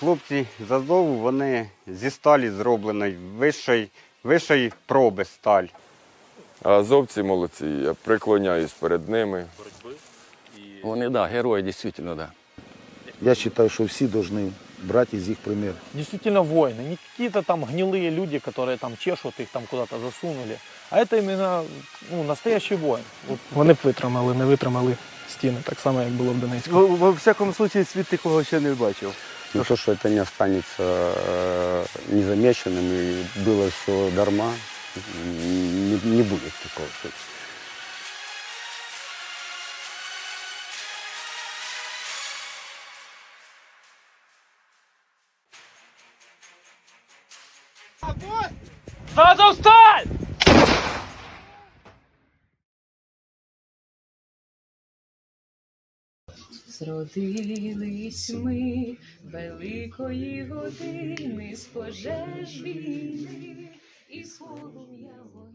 Хлопці з Азову, вони зі сталі зроблені, вищої проби сталь. А азовці молодці, я преклоняюсь перед ними. Вони, да, герої, дійсно, да. Я считаю, что все должны брать из их пример. Действительно воины, не какие-то там гнилые люди, которые там чешут, их там куда-то засунули, а это именно настоящий воин. Вони б витримали, не витримали стіни, так само, як було в Донецьку. Во всякому случае, світ такого ще не бачив. Ну то, что это не останется незамеченным и было все дарма, не будет такого. Азовсталь! Зродились ми великої години з пожеж війни і з полум'я вогню.